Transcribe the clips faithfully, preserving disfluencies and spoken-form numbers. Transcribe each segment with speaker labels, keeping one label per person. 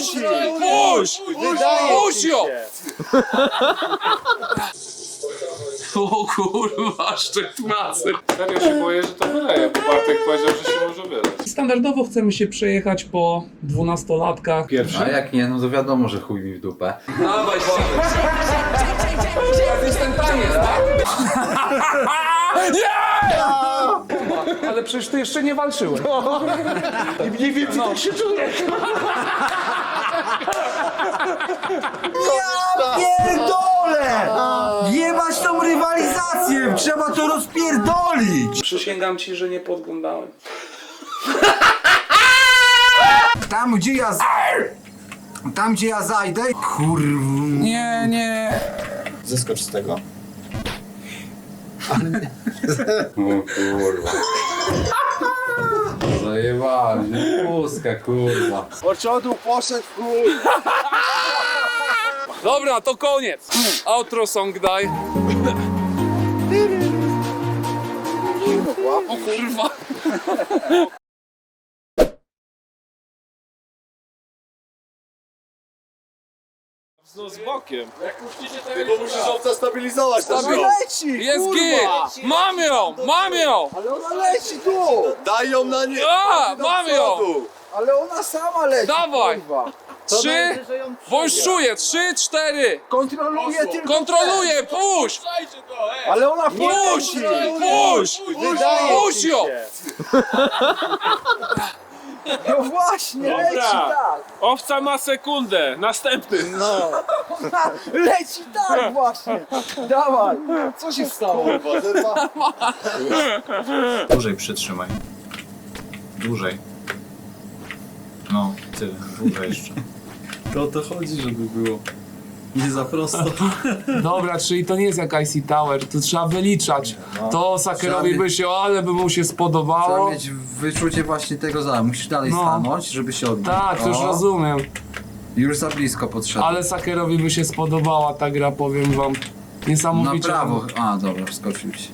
Speaker 1: Puść! Puść! Puść ją! O kurwa, szczekmacy.
Speaker 2: Serio się boję, że to wyleje, bo Bartek powiedział, że się może wyleć.
Speaker 1: Standardowo chcemy się przejechać po dwunastolatkach.
Speaker 2: Pierwszy?
Speaker 3: A jak nie, no to wiadomo, że chuj mi w dupę.
Speaker 1: Dawaj, to jest ten taniec, tak? Nie! Ale przecież ty jeszcze nie walczyłeś.
Speaker 4: I mniej więcej tak się czuję.
Speaker 5: Ja pierdolę! Jebać tą rywalizację! Trzeba to rozpierdolić!
Speaker 1: Przysięgam ci, że nie podglądałem.
Speaker 5: Tam gdzie ja z... Tam gdzie ja zajdę... Kurwa...
Speaker 1: Nie, nie.
Speaker 4: Zeskocz z tego.
Speaker 3: O kurwa. Zajebałem, puska kurwa.
Speaker 4: Oczodu poszedł w chuj.
Speaker 1: Dobra, to koniec. Outro song daj. O kurwa.
Speaker 2: No z bokiem.
Speaker 4: Bo musisz owca stabilizować.
Speaker 1: Stabil-
Speaker 4: leci!
Speaker 1: Jest git! Mam ją! Mam ją!
Speaker 4: Ale ona leci tu! Daj ją na nie!
Speaker 1: A,
Speaker 4: do
Speaker 1: mam ją!
Speaker 4: przodu. Ale ona sama leci!
Speaker 1: Dawaj!
Speaker 4: Kurwa.
Speaker 1: Trzy, bo już czuję, trzy, cztery.
Speaker 4: Kontroluje tylko
Speaker 1: Kontroluję, puść!
Speaker 4: ten. Ale ona
Speaker 1: Puść!
Speaker 4: leci!
Speaker 1: Puść!
Speaker 4: Wydaje
Speaker 1: Puść
Speaker 4: ci
Speaker 1: ją!
Speaker 4: się. No właśnie,
Speaker 2: Dobra.
Speaker 4: leci tak!
Speaker 2: Owca ma sekundę, następny.
Speaker 4: No! Leci tak właśnie! Dawaj! Co się stało? Kurwa, zerwa.
Speaker 6: Dłużej przytrzymaj. Dłużej. No, tyle. Dłużej jeszcze. To o to chodzi, żeby było. Nie za prosto.
Speaker 1: Dobra, czyli to nie jest jak I C Tower, to trzeba wyliczać. To Sakerowi
Speaker 3: Trzeba
Speaker 1: by się, ale by mu się
Speaker 3: Trzeba
Speaker 1: spodobało.
Speaker 3: mieć wyczucie właśnie tego za. Musisz dalej
Speaker 1: No.
Speaker 3: stanąć, żeby się odbić.
Speaker 1: Tak, to już
Speaker 3: O,
Speaker 1: rozumiem.
Speaker 3: Już za blisko podszedł.
Speaker 1: Ale Sakerowi by się spodobała ta gra, powiem wam.
Speaker 3: Na
Speaker 1: Niesamowicie.
Speaker 3: prawo. A, dobra, wskoczył się.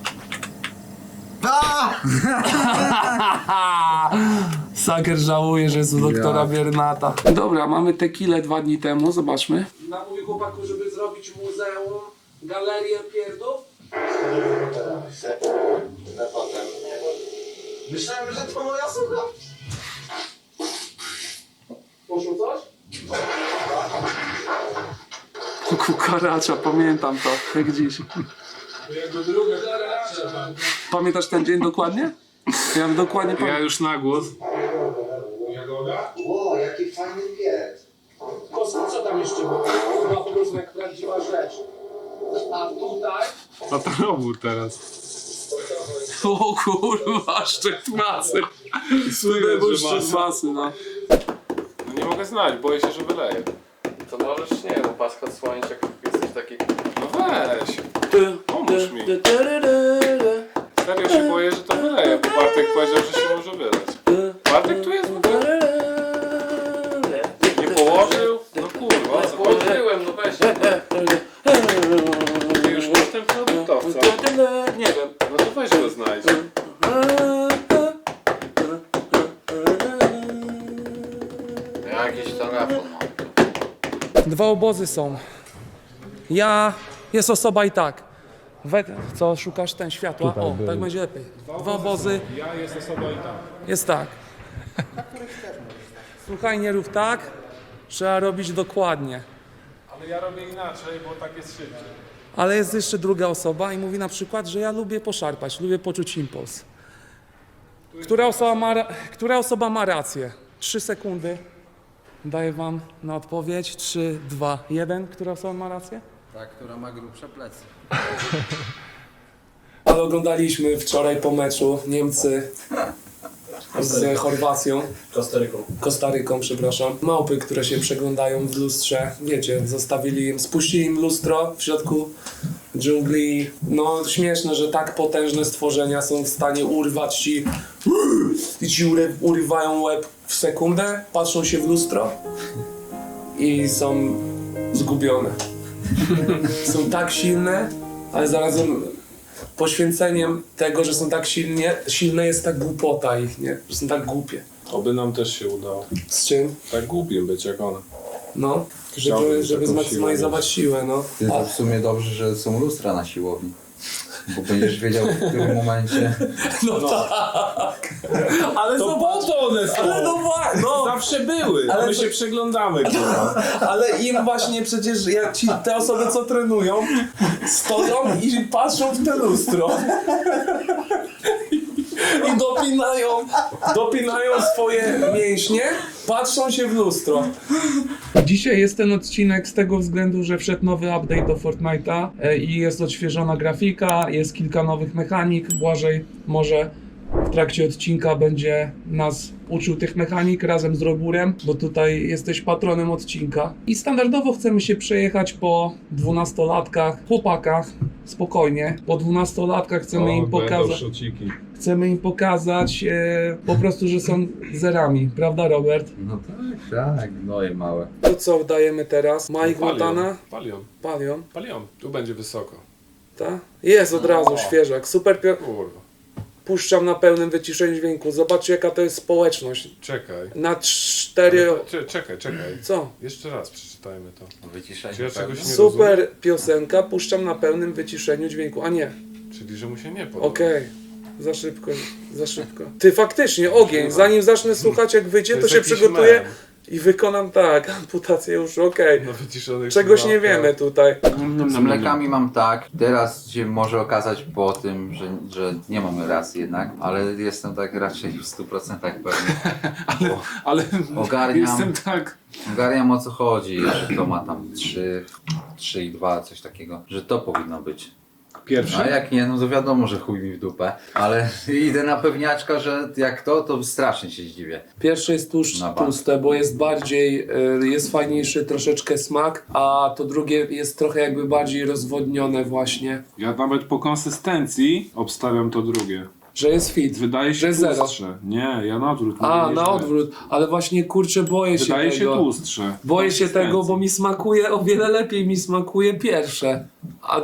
Speaker 1: Saker żałuje, że jest u doktora
Speaker 3: Ja.
Speaker 1: Biernata. Dobra, mamy tequilę dwa dni temu, zobaczmy. Namówił chłopaku, żeby zrobić muzeum, galerię pierdów.
Speaker 4: Myślałem, że to moja słucha.
Speaker 1: Poszło coś? Kukaracza, pamiętam to, jak dziś. Pamiętasz ten dzień dokładnie? Ja dokładnie
Speaker 2: Ja
Speaker 1: pamiętam.
Speaker 2: już na głos.
Speaker 4: Ło, jaki fajny pies.
Speaker 1: Kosmo, co tam jeszcze było? Chyba po prostu jak prawdziwa rzecz. A tutaj...
Speaker 2: Co to robór teraz?
Speaker 1: O kurwa, szczekmasy.
Speaker 2: Słychać, że
Speaker 1: Szczekmasy, no.
Speaker 2: No nie mogę znać, boję się, że wyleje.
Speaker 7: To możesz, nie, bo paska odsłonić, jak jesteś taki...
Speaker 2: No weź. Pomóż mi. Serio się boję, że to wyleje, bo Bartek powiedział, że się może wyleć. Bartek tu jest w ogóle? Nie położył? No kurwa, o co chodzi?
Speaker 7: Położyłem, no weź.
Speaker 2: Ty już masz ten produktowca.
Speaker 7: Nie wiem.
Speaker 2: No to weź go znajdź.
Speaker 7: Jakiś telefon.
Speaker 1: Dwa obozy są. Ja, jest osoba i tak. We, co, szukasz ten światła? O, tak będzie lepiej. Dwa obozy.
Speaker 2: Ja jest osoba i tak.
Speaker 1: Jest tak. Słuchaj, nie rób tak. Trzeba robić dokładnie.
Speaker 2: Ale ja robię inaczej, bo tak jest szybciej.
Speaker 1: Ale jest jeszcze druga osoba i mówi na przykład, że ja lubię poszarpać, lubię poczuć impuls. Która osoba ma, ra- która osoba ma rację? Trzy sekundy. Daję wam na odpowiedź. Trzy, dwa, jeden. Która osoba ma rację?
Speaker 3: Ta, która ma grubsze plecy.
Speaker 1: Ale oglądaliśmy wczoraj po meczu Niemcy z Chorwacją.
Speaker 4: Kostaryką.
Speaker 1: Kostaryką, przepraszam. Małpy, które się przeglądają w lustrze. Wiecie, zostawili im, spuścili im lustro w środku dżungli. No śmieszne, że tak potężne stworzenia są w stanie urwać ci i ci ury- urywają łeb w sekundę, patrzą się w lustro i są zgubione. Są tak silne, ale zarazem poświęceniem tego, że są tak silnie, silne jest ta głupota ich, nie? Że są tak głupie.
Speaker 2: Oby nam też się udało.
Speaker 1: Z czym?
Speaker 2: Tak głupim być jak one.
Speaker 1: No,
Speaker 2: Chciałbym
Speaker 1: żeby, żeby
Speaker 2: taką
Speaker 1: zmaksymalizować siłę, no.
Speaker 5: Ty, to
Speaker 1: A,
Speaker 5: w sumie dobrze, że są lustra na siłowni. Bo będziesz wiedział, w którym momencie...
Speaker 1: no tak. Ale
Speaker 2: To po
Speaker 1: zobacz,
Speaker 2: to one są!
Speaker 1: ale no właśnie, no.
Speaker 2: Zawsze były,
Speaker 1: Ale
Speaker 2: ale my
Speaker 1: to-
Speaker 2: się przeglądamy. kurwa.
Speaker 1: Ale im właśnie przecież, jak ci te osoby, co trenują, stoją i patrzą w te lustro. I dopinają, dopinają swoje mięśnie, patrzą się w lustro. Dzisiaj jest ten odcinek z tego względu, że wszedł nowy update do Fortnite'a e, i jest odświeżona grafika, jest kilka nowych mechanik. Błażej może w trakcie odcinka będzie nas uczył tych mechanik razem z Roburem, bo tutaj jesteś patronem odcinka. I standardowo chcemy się przejechać po dwunastolatkach, chłopakach, spokojnie. Po dwunastolatkach chcemy im pokazać,
Speaker 2: szociki.
Speaker 1: chcemy im pokazać e, po prostu, że są zerami, prawda Robert?
Speaker 3: No tak, tak, no i małe.
Speaker 1: To co dajemy teraz? Mike Montana?
Speaker 2: Palion,
Speaker 1: Palion,
Speaker 2: palion. Tu będzie wysoko.
Speaker 1: tak? Jest od razu świeżak, super pio...
Speaker 2: Kurwa.
Speaker 1: Puszczam na pełnym wyciszeniu dźwięku, zobaczcie jaka to jest społeczność.
Speaker 2: Czekaj.
Speaker 1: Na cztery...
Speaker 2: Cze- Czekaj, czekaj.
Speaker 1: Co?
Speaker 2: Jeszcze raz przeczytajmy to.
Speaker 3: Wyciszenie.
Speaker 2: Czy ja czegoś nie
Speaker 1: Super piosenka, puszczam na pełnym wyciszeniu dźwięku, a nie,
Speaker 2: rozumiem? Czyli, że mu się nie podoba.
Speaker 1: okej, za szybko, za szybko. Ty faktycznie, ogień, zanim zacznę słuchać jak wyjdzie, to
Speaker 2: jest
Speaker 1: się
Speaker 2: jakiś
Speaker 1: przygotuję
Speaker 2: mem.
Speaker 1: i wykonam tak, amputację już, okej.
Speaker 2: No wyciszonych
Speaker 1: Czegoś nie
Speaker 2: słuchawkach.
Speaker 1: wiemy tutaj.
Speaker 5: Z mlekami mam tak, teraz się może okazać po tym, że, że nie mamy racji jednak, ale jestem tak raczej w stu procentach pewny.
Speaker 2: Ale, ale
Speaker 5: Ogarniam.
Speaker 2: jestem tak...
Speaker 5: Ogarniam o co chodzi, że to ma tam trzy, trzy i dwa, coś takiego, że to powinno być.
Speaker 2: Pierwszy?
Speaker 5: A jak nie, no to wiadomo, że chuj mi w dupę, ale idę na pewniaczka, że jak to, to strasznie się zdziwię.
Speaker 1: Pierwsze jest tłuszcz
Speaker 5: Na bank.
Speaker 1: tłuste, bo jest bardziej, y, jest fajniejszy troszeczkę smak, a to drugie jest trochę jakby bardziej rozwodnione właśnie,
Speaker 2: Ja nawet po konsystencji obstawiam to drugie.
Speaker 1: że jest fit.
Speaker 2: Wydaje się
Speaker 1: Że zero.
Speaker 2: tłustsze. Nie, ja na odwrót mówię,
Speaker 1: A,
Speaker 2: nie
Speaker 1: na
Speaker 2: źle.
Speaker 1: odwrót, ale właśnie kurczę boję się
Speaker 2: Wydaje się
Speaker 1: tego.
Speaker 2: tłustsze.
Speaker 1: Boję się
Speaker 2: Konsystencji.
Speaker 1: tego, bo mi smakuje, o wiele lepiej mi smakuje pierwsze. A...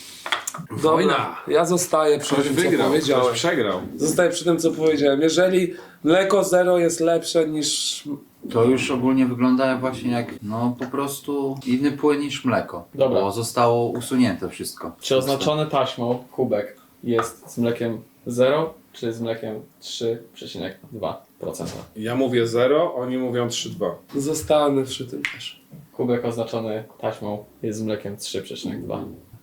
Speaker 1: Dobra,
Speaker 2: Wojna.
Speaker 1: ja zostaję przy
Speaker 2: Ktoś
Speaker 1: tym, co
Speaker 2: wygrał,
Speaker 1: powiedziałem.
Speaker 2: ktoś przegrał.
Speaker 1: Zostaję przy tym, co powiedziałem. Jeżeli mleko zero jest lepsze niż...
Speaker 5: To już ogólnie wygląda właśnie jak, no po prostu inny płyn niż mleko.
Speaker 7: Dobra.
Speaker 5: Bo zostało usunięte wszystko.
Speaker 7: Czy oznaczony taśmą kubek jest z mlekiem zero, czy z mlekiem trzy przecinek dwa procent?
Speaker 2: Ja mówię zero, oni mówią trzy dwa.
Speaker 1: Zostanę przy tym też.
Speaker 7: Kubek oznaczony taśmą jest z mlekiem trzy przecinek dwa.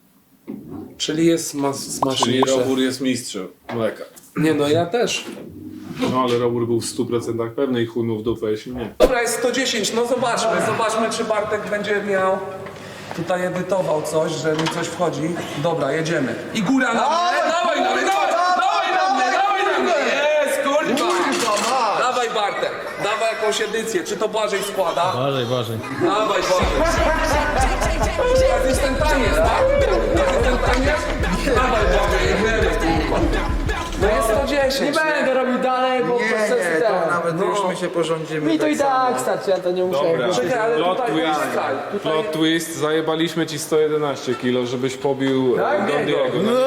Speaker 1: Czyli jest mas-
Speaker 2: Czyli
Speaker 1: smaczniejsze.
Speaker 2: Robur jest mistrzem mleka.
Speaker 1: Nie no, ja też.
Speaker 2: No ale Robur był w stu procentach pewny i chuj mu w dupę, jeśli nie.
Speaker 1: Dobra, jest sto dziesięć, no zobaczmy, zobaczmy czy Bartek będzie miał tutaj edytował coś, że mi coś wchodzi. Dobra, jedziemy. I góra na mnie, dawaj na mnie, dawaj, dawaj na mnie, dawaj na mnie, jest, kurwa. Dawaj Bartek, dawaj jakąś edycję, czy to Błażej składa?
Speaker 8: Błażej, Błażej.
Speaker 1: Dawaj Błażej. To jest ten taniec, tak? To jest ten taniec? Dawaj Błażej, jedziemy, kurwa. No jest sto dziesięć, nie?
Speaker 4: Będę robił dalej, bo
Speaker 5: Nie,
Speaker 4: bez sensu
Speaker 5: to
Speaker 4: tak.
Speaker 5: nawet już my się porządzimy.
Speaker 4: Mi to i tak
Speaker 5: samo.
Speaker 4: starczy, ja to nie muszę.
Speaker 2: Dobra.
Speaker 1: Czekaj, ale
Speaker 2: Plot
Speaker 1: tutaj
Speaker 2: twist.
Speaker 1: freestyle. Tutaj...
Speaker 2: Plot twist, zajebaliśmy ci sto jedenaście kilo, żebyś pobił
Speaker 1: Tak,
Speaker 2: Don
Speaker 1: biego.
Speaker 2: Diego.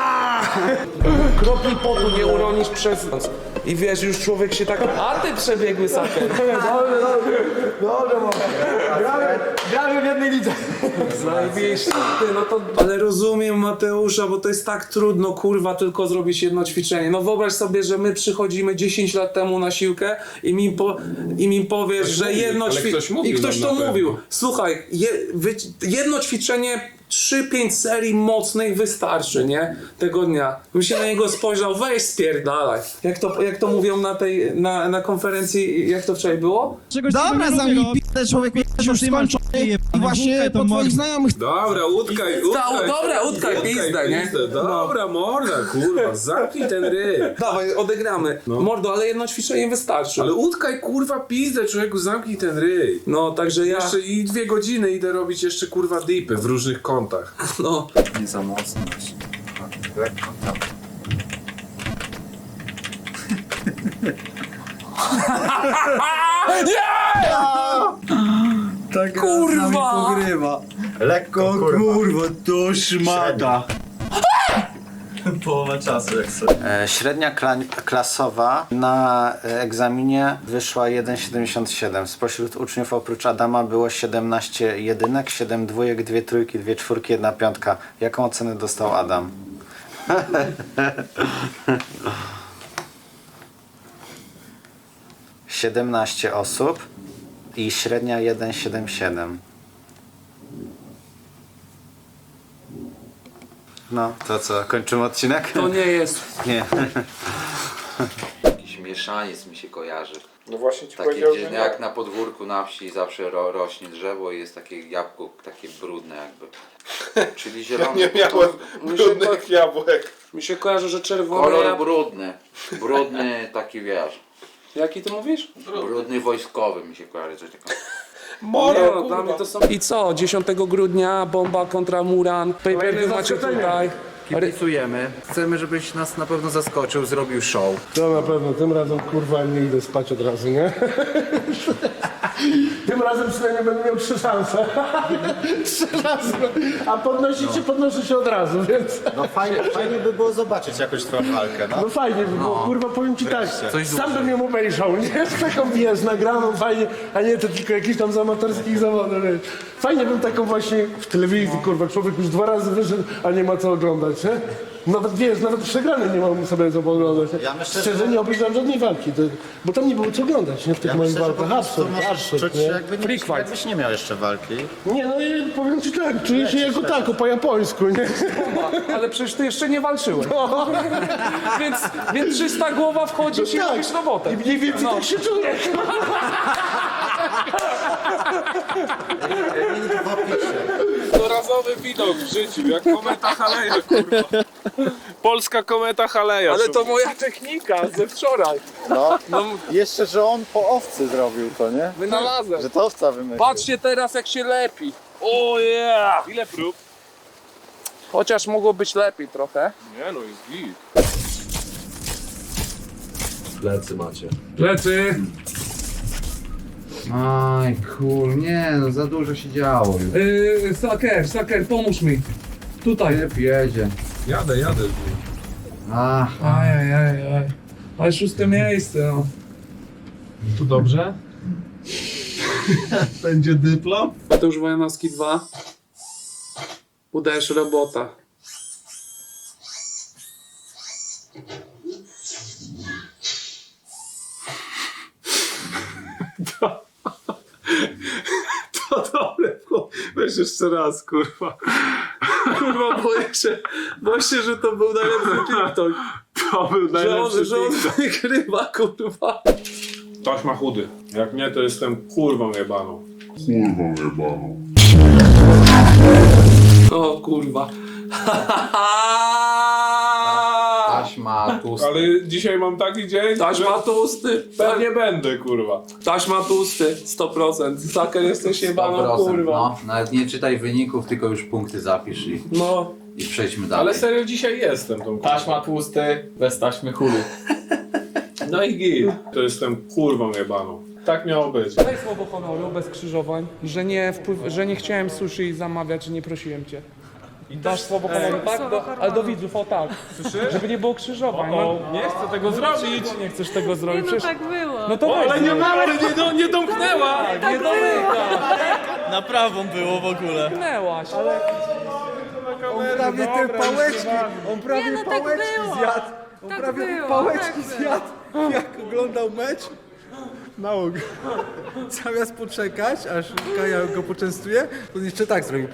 Speaker 1: Kropli potu nie uronisz przez noc. I wiesz, już człowiek się tak... A ty przebiegły saker.
Speaker 4: Gramy w jednej lidze.
Speaker 1: Zajebiście. Ty, no to... Ale rozumiem Mateusza, bo to jest tak trudno, kurwa, tylko zrobić jedno ćwiczenie. No wyobraź sobie, że my przychodzimy dziesięć lat temu na siłkę i mi, po, i mi powiesz, że
Speaker 2: mówił,
Speaker 1: jedno
Speaker 2: ale
Speaker 1: ćwiczenie...
Speaker 2: ktoś mówił
Speaker 1: I ktoś
Speaker 2: nam
Speaker 1: to
Speaker 2: na pewno.
Speaker 1: mówił. Słuchaj, je, wy, jedno ćwiczenie... trzy pięć serii mocnych wystarczy, nie? Tego dnia. Bym się na niego spojrzał, weź spierdalaj. Jak to, jak to mówią na tej, na, na konferencji, jak to wczoraj było?
Speaker 8: Dobra, zamknij p***, człowiek już skończył i właśnie po twoich znajomych.
Speaker 2: Dobra, utkaj,
Speaker 1: Ta,
Speaker 2: utkaj.
Speaker 1: dobra, utkaj pizdę, nie?
Speaker 2: Dobra, morda, kurwa, zamknij ten ryj.
Speaker 1: Dawaj, odegramy. Mordo, ale jedno ćwiczenie wystarczy.
Speaker 2: Ale utkaj, kurwa, pizdę, człowieku, zamknij ten ryj.
Speaker 1: No, także ja...
Speaker 2: Jeszcze i dwie godziny idę robić jeszcze, kurwa, dipy w różnych kątach.
Speaker 1: No.
Speaker 5: Nie za mocno. Lekko tam.
Speaker 8: Tak
Speaker 1: Kurwa!
Speaker 8: pogrywa. Lekko, kurwa, to szmata.
Speaker 6: Połowa czasu jak sobie.
Speaker 9: E, Średnia kla- klasowa na e, egzaminie wyszła jeden przecinek siedemdziesiąt siedem. Spośród uczniów oprócz Adama było siedemnaście jedynek, siedem dwójek, dwie trójki, dwie czwórki, jedna piątka. Jaką ocenę dostał Adam? siedemnaście osób i średnia jeden przecinek siedemdziesiąt siedem. No, to co, kończymy odcinek?
Speaker 1: To nie jest.
Speaker 9: Nie.
Speaker 5: Jakiś mieszaniec mi się kojarzy.
Speaker 2: No właśnie ci
Speaker 5: Takie,
Speaker 2: powiedział,
Speaker 5: gdzie
Speaker 2: że nie.
Speaker 5: jak na podwórku na wsi zawsze ro, rośnie drzewo i jest takie jabłko, takie brudne jakby. Czyli
Speaker 2: Ja
Speaker 5: zielone.
Speaker 2: nie miałem brudnych jabłek.
Speaker 1: Mi się kojarzy, że czerwone
Speaker 5: Kolor
Speaker 1: jab...
Speaker 5: brudny. Brudny taki wiesz.
Speaker 1: Jaki ty mówisz?
Speaker 5: Brudny wojskowy mi się kojarzy, coś takiego.
Speaker 2: Moro,
Speaker 1: Nie, no, dla mnie to są... I co? dziesiątego grudnia bomba kontra Muran. Pay-per-view macie tutaj.
Speaker 5: Kibicujemy. Chcemy, żebyś nas na pewno zaskoczył, zrobił show.
Speaker 10: To na pewno, tym razem kurwa nie idę spać od razu, nie? Tym razem przynajmniej będę miał trzy szanse. Trzy razy. A podnosić się, podnoszę się od razu, więc...
Speaker 6: No fajnie, fajnie by było zobaczyć jakąś twoją walkę, no.
Speaker 10: No fajnie by było, kurwa, powiem ci tak,
Speaker 5: Coś
Speaker 10: sam bym ją obejrzał, nie? Z taką, wiesz, nagraną fajnie, a nie to tylko jakiś tam z amatorskich zawodów, wiesz. Fajnie bym taką właśnie w telewizji, kurwa, człowiek już dwa razy wyszedł, a nie ma co oglądać, nie? Nawet, wiesz, nawet przegrany nie mam sobie co oglądać.
Speaker 6: Ja myślę,
Speaker 10: Szczerze
Speaker 6: że-
Speaker 10: nie obejrzałem żadnej walki, to, bo tam nie było co oglądać, nie? W tych
Speaker 6: Ja
Speaker 10: moich
Speaker 6: myślę, że po
Speaker 10: walkach.
Speaker 6: prostu
Speaker 10: Absurd,
Speaker 6: możesz
Speaker 10: absurd,
Speaker 6: czuć,
Speaker 10: nie?
Speaker 6: jakby nie, jakbyś nie miał jeszcze walki.
Speaker 10: Nie, no ja powiem ci tak, czuję się jako tako, po japońsku, nie?
Speaker 1: Ale przecież ty jeszcze nie walczyłeś. więc, więc czysta głowa wchodzisz i
Speaker 10: tak.
Speaker 1: robisz robotę.
Speaker 10: I mniej więcej tak się czuję.
Speaker 2: Jednorazowy widok w życiu, jak kometa Haleja, kurwa. Polska kometa Haleja.
Speaker 1: Ale to moja technika ze wczoraj.
Speaker 6: No, jeszcze, że on po owcy zrobił to, nie?
Speaker 1: Wynalazłem.
Speaker 6: Że to owca wymyślił.
Speaker 1: Patrzcie teraz jak się lepi. O yeah!
Speaker 2: Ile prób?
Speaker 1: Chociaż mogło być lepiej trochę.
Speaker 2: Nie no, jest git.
Speaker 3: Plecy macie.
Speaker 1: Plecy.
Speaker 5: Aj, cool, nie no, za dużo się działo już.
Speaker 1: Yy, Saker, Saker, pomóż mi. Tutaj.
Speaker 5: Typ jedzie.
Speaker 3: Jadę, jadę.
Speaker 5: Ach,
Speaker 1: Ajajaj. Ale szóste miejsce, no.
Speaker 3: Tu dobrze? Będzie dyplom?
Speaker 1: Mateusz Wojanowski dwa. Udajesz robota.
Speaker 2: To dobre, bo weź jeszcze raz, kurwa.
Speaker 1: Kurwa, boję się, boję się, że to był najlepszy TikTok.
Speaker 2: To był
Speaker 1: Że on,
Speaker 2: najlepszy
Speaker 1: że on
Speaker 2: TikTok.
Speaker 1: wygrywa, kurwa.
Speaker 2: Taśma chudy. Jak nie, to jestem kurwą jebaną.
Speaker 1: O kurwa.
Speaker 5: taśma, tłusty.
Speaker 2: Ale dzisiaj mam taki dzień,
Speaker 1: Taśma
Speaker 2: że
Speaker 1: tłusty.
Speaker 2: pewnie będę, kurwa.
Speaker 1: Taśma tłusty, sto procent. Saker jesteś jebaną,
Speaker 5: sto procent,
Speaker 1: kurwa.
Speaker 5: no. Nawet nie czytaj wyników, tylko już punkty zapisz i,
Speaker 1: No.
Speaker 5: i przejdźmy dalej.
Speaker 2: Ale serio dzisiaj jestem tą kurwą.
Speaker 7: Taśma tłusty, bez taśmy chudy.
Speaker 2: No i git. To jestem kurwą jebaną. Tak miało być.
Speaker 1: Daj słowo honoru, bez skrzyżowań, że nie, wpływ, że nie chciałem sushi zamawiać, że nie prosiłem cię. Dasz słowo honoru, tak? Do, ale do widzów, o tak. Żeby nie było krzyżowań. No,
Speaker 2: nie chcę tego zrobić.
Speaker 1: nie chcesz tego zrobić.
Speaker 11: No
Speaker 1: Przecież...
Speaker 11: tak było.
Speaker 1: No to weź,
Speaker 2: Ale nie ma, ale nie, do, nie domknęła.
Speaker 1: tak, nie domyka.
Speaker 6: Na prawą było w ogóle.
Speaker 1: Domknęłaś.
Speaker 4: On prawie te pałeczki, on prawie
Speaker 11: Nie, no tak
Speaker 4: pałeczki
Speaker 11: było.
Speaker 4: zjadł. On
Speaker 11: Tak
Speaker 4: prawie
Speaker 11: było,
Speaker 4: pałeczki
Speaker 11: tak było.
Speaker 4: zjadł, jak oglądał mecz. Mało go. Zamiast poczekać, aż Kaja go poczęstuje, to on jeszcze tak zrobił.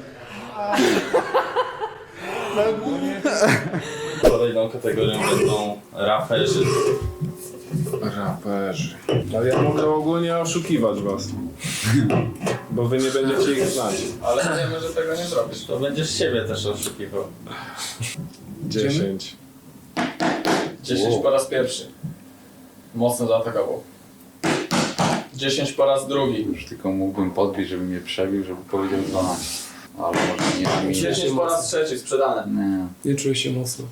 Speaker 6: Kolejną kategorią będą raperzy.
Speaker 2: Raperzy. Ale ja mogę ogólnie oszukiwać was. Bo wy nie będziecie ich znać.
Speaker 7: Ale wiemy, że tego nie zrobisz.
Speaker 6: To będziesz siebie też oszukiwał.
Speaker 2: Dziesięć.
Speaker 7: dziesięć po raz pierwszy. Mocno zaatakował. dziesięć po raz drugi.
Speaker 5: Już tylko mógłbym podbić, żeby mnie przebił, żeby powiedział dwanaście. Ale może nie na minę.
Speaker 7: dziesięć po raz trzeci sprzedane.
Speaker 5: Nie.
Speaker 1: Nie czuję się mocno.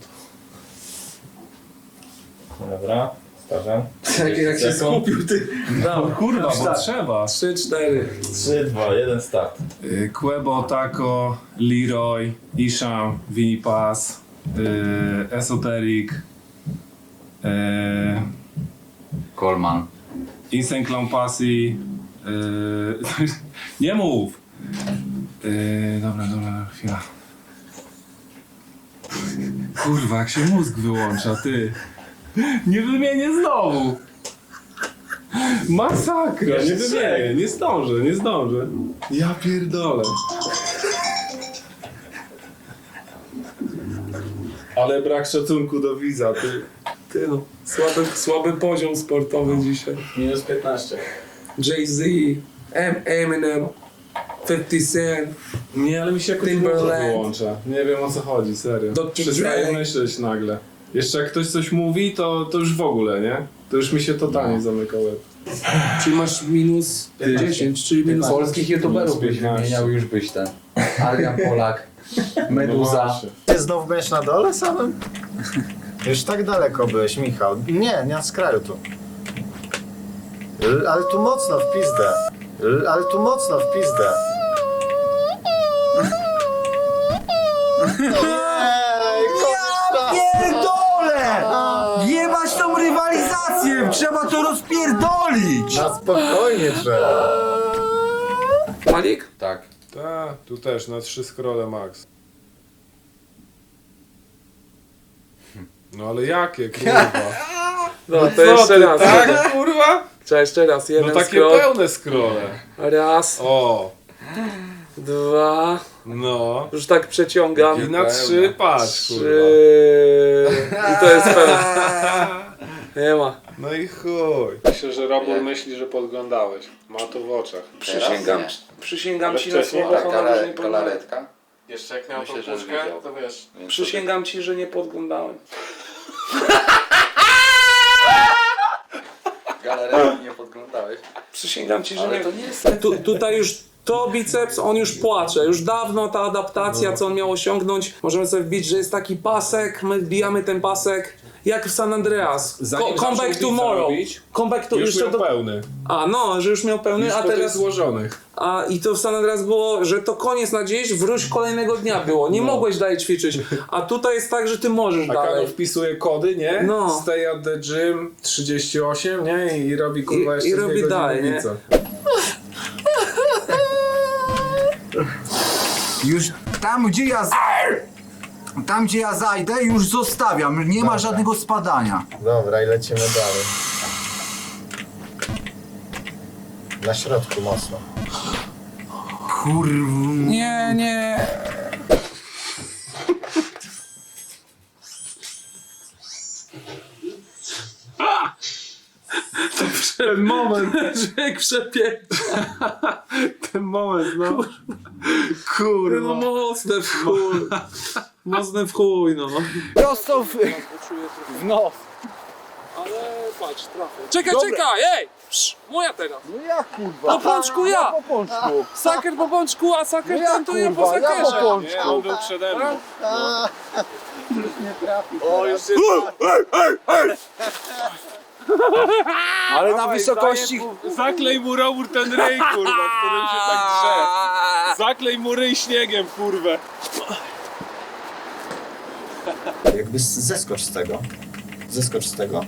Speaker 6: Dobra, stawiam.
Speaker 1: Jak, jak się skupił, ty.
Speaker 6: No kurwa, bo trzeba.
Speaker 1: Trzy, cztery.
Speaker 6: trzy, dwa, jeden, start.
Speaker 2: Quebo, Taco, Leroy, Isham, Vinipas, Yy, Esoteric. Yy,
Speaker 5: Coleman.
Speaker 2: Insane Clown Passy. Yy, nie mów! Yy, dobra, dobra, chwila. Kurwa, jak się mózg wyłącza, ty. Nie wymienię znowu. Masakra, nie wymienię, nie zdążę, nie zdążę. Ja pierdolę. Ale brak szacunku do widza, ty.
Speaker 1: Ty no, słaby, słaby poziom sportowy dzisiaj.
Speaker 7: Minus piętnaście.
Speaker 1: Jay-Z, M Eminem, pięćdziesiąt Cent.
Speaker 2: Nie, ale mi się jakoś mózg
Speaker 1: Timberland.
Speaker 2: wyłącza. Nie wiem o co chodzi, serio.
Speaker 1: doktor
Speaker 2: Przestaję
Speaker 1: Dre.
Speaker 2: myśleć nagle. Jeszcze jak ktoś coś mówi, to, to już w ogóle, nie? To już mi się totalnie zamyka łeb.
Speaker 1: Czyli masz minus dziesięć, czyli minus...
Speaker 5: Polskich youtuberów byś
Speaker 2: piętnaście.
Speaker 5: wymieniał, już byś ten. Adrian Polak, Meduza.
Speaker 2: właśnie.
Speaker 9: Ty znowu będziesz na dole samym? Już tak daleko byłeś, Michał. Nie, nie z kraju tu. L- ale tu mocno w pizdę. L- ale tu mocno w pizdę. Ojej, koniec.
Speaker 8: Pierdolę! Jebać tą rywalizację! Trzeba to rozpierdolić!
Speaker 9: Na spokojnie trzeba.
Speaker 1: Malik?
Speaker 5: Tak.
Speaker 2: Tak, tu też na trzy scrolle max. No ale jakie, kurwa?
Speaker 1: No to
Speaker 2: Co
Speaker 1: jeszcze
Speaker 2: ty,
Speaker 1: raz.
Speaker 2: tak, kurwa?
Speaker 1: Trzeba jeszcze raz.
Speaker 2: No
Speaker 1: Jeden
Speaker 2: takie
Speaker 1: scroll.
Speaker 2: pełne scrolle.
Speaker 1: Raz,
Speaker 2: O,
Speaker 1: dwa.
Speaker 2: no.
Speaker 1: Już tak przeciągam.
Speaker 2: I na trzy, patrz, kurwa.
Speaker 1: Trzy. I to jest pełne. Nie ma.
Speaker 2: No i chuj. Myślę, że Robur myśli, że podglądałeś. Ma to w oczach.
Speaker 1: Przysięgam,
Speaker 5: nie.
Speaker 1: przysięgam
Speaker 2: Ale
Speaker 1: ci na
Speaker 2: wcześniej
Speaker 1: słowo
Speaker 5: Ta
Speaker 1: honoru, że nie
Speaker 5: galaret,
Speaker 1: podglądałem.
Speaker 5: galaretka.
Speaker 7: Jeszcze jak miał
Speaker 5: Myślę,
Speaker 7: tą
Speaker 5: że
Speaker 7: puszkę,
Speaker 5: widział.
Speaker 7: to wiesz.
Speaker 5: Więc
Speaker 1: Przysięgam ci, że nie podglądałem.
Speaker 5: Galaretki nie podglądałeś.
Speaker 1: Przysięgam ci, że
Speaker 5: Ale
Speaker 1: nie.
Speaker 5: to nie jest...
Speaker 1: Tu, tutaj już to biceps, on już płacze. Już dawno ta adaptacja, co on miał osiągnąć. Możemy sobie wbić, że jest taki pasek, my wbijamy ten pasek. Jak w San Andreas.
Speaker 2: Zanim
Speaker 1: Co, come
Speaker 2: zaczął
Speaker 1: back
Speaker 2: pizza
Speaker 1: tomorrow.
Speaker 2: robić,
Speaker 1: Come back to,
Speaker 2: Już
Speaker 1: jeszcze
Speaker 2: miał
Speaker 1: do...
Speaker 2: pełny.
Speaker 1: A no, że już miał pełny,
Speaker 2: Już
Speaker 1: a
Speaker 2: po tych
Speaker 1: teraz.
Speaker 2: złożonych.
Speaker 1: A i to w San Andreas było, że to koniec na dziś, wróć kolejnego dnia było. Nie mogłeś dalej ćwiczyć. A tutaj jest tak, że ty możesz
Speaker 2: A Karol
Speaker 1: dalej.
Speaker 2: wpisuje kody, nie?
Speaker 1: No.
Speaker 2: Stay at the gym trzydzieści osiem, nie? I robi kurwa
Speaker 1: I-
Speaker 2: jeszcze
Speaker 1: i
Speaker 2: dwie
Speaker 1: robi
Speaker 2: godziny
Speaker 1: dalej, nie?
Speaker 2: pizza.
Speaker 8: Już tam gdzie ja... z- Tam gdzie ja zajdę, już zostawiam. Nie ma żadnego spadania.
Speaker 9: Dobra, i lecimy dalej. Na środku mocno.
Speaker 8: Kurwa.
Speaker 1: Nie, nie.
Speaker 2: Ten moment,
Speaker 1: Jak przepięknie.
Speaker 2: ten moment, no.
Speaker 1: No
Speaker 2: Kurwa.
Speaker 1: mocne w chuj. Mocne w chuj, no.
Speaker 8: Prosto w... w nos.
Speaker 1: Ale patrz, trafię. Czekaj, czekaj, ej! Psz, moja teraz.
Speaker 8: No jak kurwa?
Speaker 1: Po pączku ja!
Speaker 8: Po pączku.
Speaker 1: Saker po pączku, a saker
Speaker 8: No jak,
Speaker 1: ten to ja po
Speaker 8: kurwa, ja po
Speaker 1: sakerze.
Speaker 8: pączku.
Speaker 2: Nie, on był przede mną.
Speaker 8: O, już jest... Ale na wysokości...
Speaker 2: Zaklej mu Robur ten ryj, kurwa, którym się tak drze. Zaklej mu ryj śniegiem, kurwę.
Speaker 9: Jakby z- zeskocz z tego. Zeskocz z tego.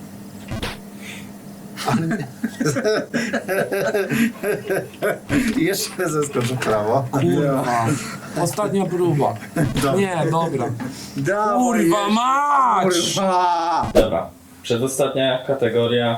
Speaker 9: I jeszcze zeskocz w prawo.
Speaker 1: Kurwa. Ostatnia próba. Nie, dobra.
Speaker 8: Dawaj,
Speaker 1: Kurwa mać!
Speaker 8: kurwa!
Speaker 7: Dobra. Przedostatnia kategoria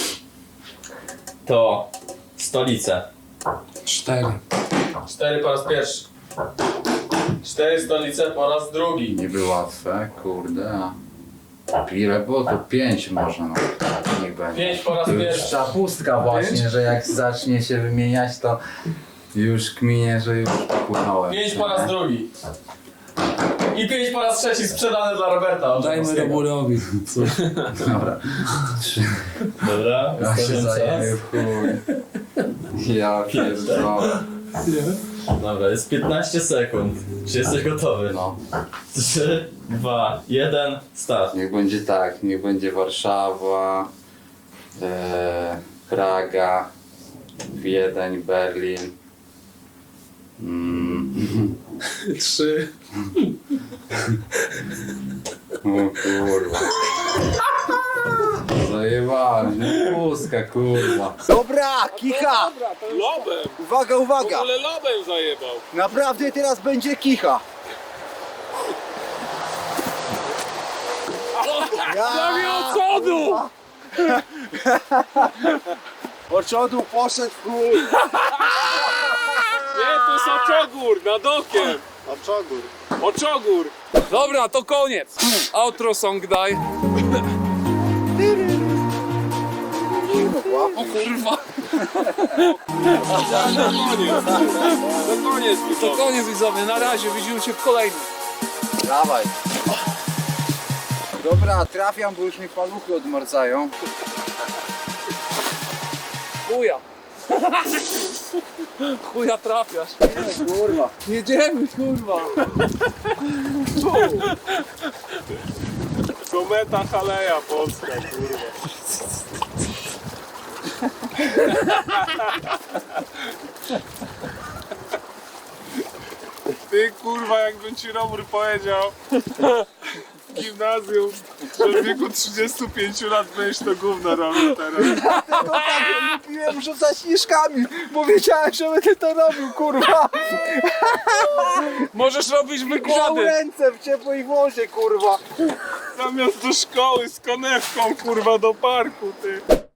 Speaker 7: to stolice.
Speaker 1: Cztery.
Speaker 7: Cztery po raz pierwszy. Cztery stolice po raz drugi.
Speaker 5: Niby łatwe, kurde. a Ile było? To pięć można. No. Niech będzie.
Speaker 7: Pięć po raz
Speaker 5: To już
Speaker 7: pierwszy.
Speaker 5: ta pustka właśnie, że jak zacznie się wymieniać, to już kminie, że już popłynąłem.
Speaker 7: Pięć po raz drugi. I pięć po raz trzeci sprzedane dla Roberta.
Speaker 1: Dajmy
Speaker 7: Orzechowskiego.
Speaker 1: Roburowi.
Speaker 5: Dobra. Trzy.
Speaker 7: Dobra,
Speaker 5: Ja się
Speaker 7: ustawiam
Speaker 5: zajęły
Speaker 7: czas.
Speaker 5: w chuj. Ja pierdolę.
Speaker 7: Dobra, jest piętnaście sekund. Czy jesteś gotowy?
Speaker 5: No.
Speaker 7: trzy, dwa, jeden, start.
Speaker 5: Niech będzie tak, niech będzie Warszawa, e, Praga, Wiedeń, Berlin,
Speaker 1: Trzy.
Speaker 5: O kurwa. Zajebałem, puska kurwa.
Speaker 8: Dobra, kicha!
Speaker 2: Lobem!
Speaker 8: Uwaga, uwaga!
Speaker 2: Ale lobem zajebał.
Speaker 8: Naprawdę teraz będzie kicha.
Speaker 2: Prawie od przodu!
Speaker 8: Od przodu poszedł w chuj.
Speaker 2: Nie, to jest oczogór, nad okiem.
Speaker 8: Oczogór.
Speaker 2: Oczogór. Dobra, to koniec. Outro song daj. O kurwa. To koniec. To koniec widzowie, na razie, widzimy się w kolejnym.
Speaker 8: Dawaj. Dobra, trafiam, bo już mi paluchy odmarzają.
Speaker 2: Chuja. Chuja trafiasz.
Speaker 8: Kurwa.
Speaker 2: Jedziemy, kurwa. Kometa Haleja Polska, kurwa. Ty kurwa, jakbym ci Robór powiedział w gimnazjum, że w wieku trzydziestu pięciu lat będziesz to gówno robił teraz.
Speaker 8: No tak, lubiłem rzucać śnieżkami, bo wiedziałem, że będę to robił, kurwa.
Speaker 2: Możesz robić
Speaker 8: Grzał
Speaker 2: wykłady
Speaker 8: ręce w ciepłej wodzie, kurwa.
Speaker 2: zamiast do szkoły z konewką, kurwa, do parku, ty.